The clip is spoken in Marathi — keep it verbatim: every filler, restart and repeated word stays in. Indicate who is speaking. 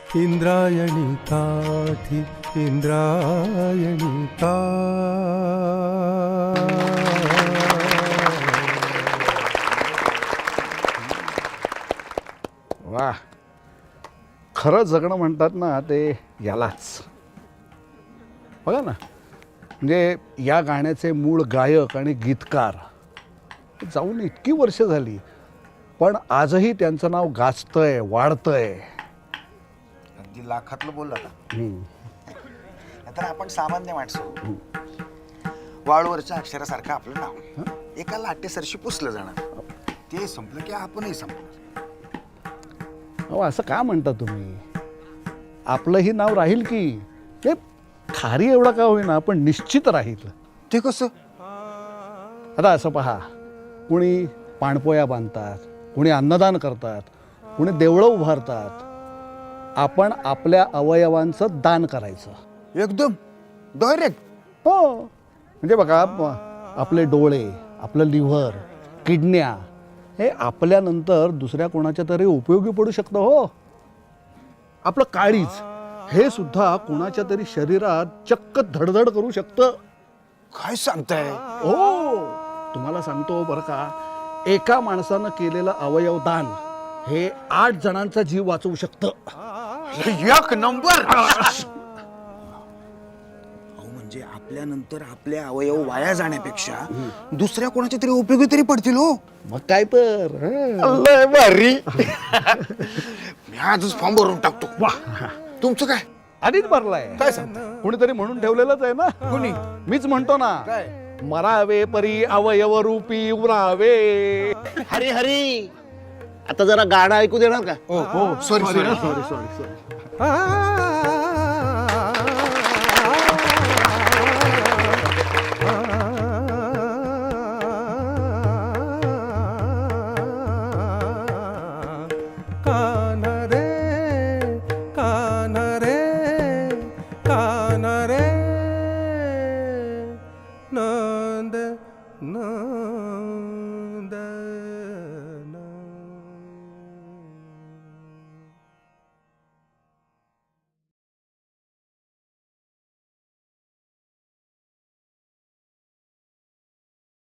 Speaker 1: इंद्रायणी काठी इंद्रायणी का
Speaker 2: वा, खरं जगणं म्हणतात ना ते यालाच. बघा ना, म्हणजे या गाण्याचे मूळ गायक आणि गीतकार जाऊन इतकी वर्ष झाली, पण आजही त्यांचं नाव गाजतंय, वाढतंय.
Speaker 3: अगदी लाखातलं बोलला का?
Speaker 2: हम्म.
Speaker 3: तर आपण सामान्य माणसं, वाळूवरच्या अक्षरासारखं आपलं नाव एका लाटेसरशी पुसलं जाणार. ते संपलं की आपणही संपणार.
Speaker 2: अहो, असं का म्हणता तुम्ही? आपलंही नाव राहील की, ते खारी एवढा का होईना पण निश्चित राहील.
Speaker 3: ते कसं?
Speaker 2: आता असं पहा, कुणी पाणपोया बांधतात, कुणी अन्नदान करतात, कुणी देवळं उभारतात. आपण आपल्या अवयवांचं दान करायचं.
Speaker 3: एकदम डायरेक्ट.
Speaker 2: हो, म्हणजे बघा, आपले डोळे, आपलं लिव्हर, किडन्या हे आपल्यानंतर दुसऱ्या कोणाच्या तरी उपयोगी पडू शकतं. हो, आपलं काळीज हे सुद्धा कोणाच्या तरी शरीरात चक्क धडधड करू शकतं.
Speaker 3: काय सांगताय?
Speaker 2: हो, तुम्हाला सांगतो बरं का, एका माणसानं केलेलं अवयव दान हे आठ जणांचा जीव वाचवू शकतं.
Speaker 3: एक नंबर. म्हणजे आपल्यानंतर आपले अवयव वाया जाण्यापेक्षा दुसऱ्या कोणाच्या तरी उपयोगी तरी पडतील. हो,
Speaker 2: मग काय तर. हं.
Speaker 3: लय भारी. मी आजच फॉर्म भरून टाकतो.
Speaker 2: वाह,
Speaker 3: तुमचं काय?
Speaker 2: आधीच भरलाय.
Speaker 3: काय सांगता?
Speaker 2: कुणीतरी म्हणून ठेवलेलंच आहे ना.
Speaker 3: कुणी?
Speaker 2: मीच म्हणतो ना.
Speaker 3: काय?
Speaker 2: मरावे परी अवयव रूपी उरावे.
Speaker 4: हरी हरी, आता जरा गाणं ऐकू देणार का?
Speaker 3: हो, sorry sorry
Speaker 2: sorry sorry sorry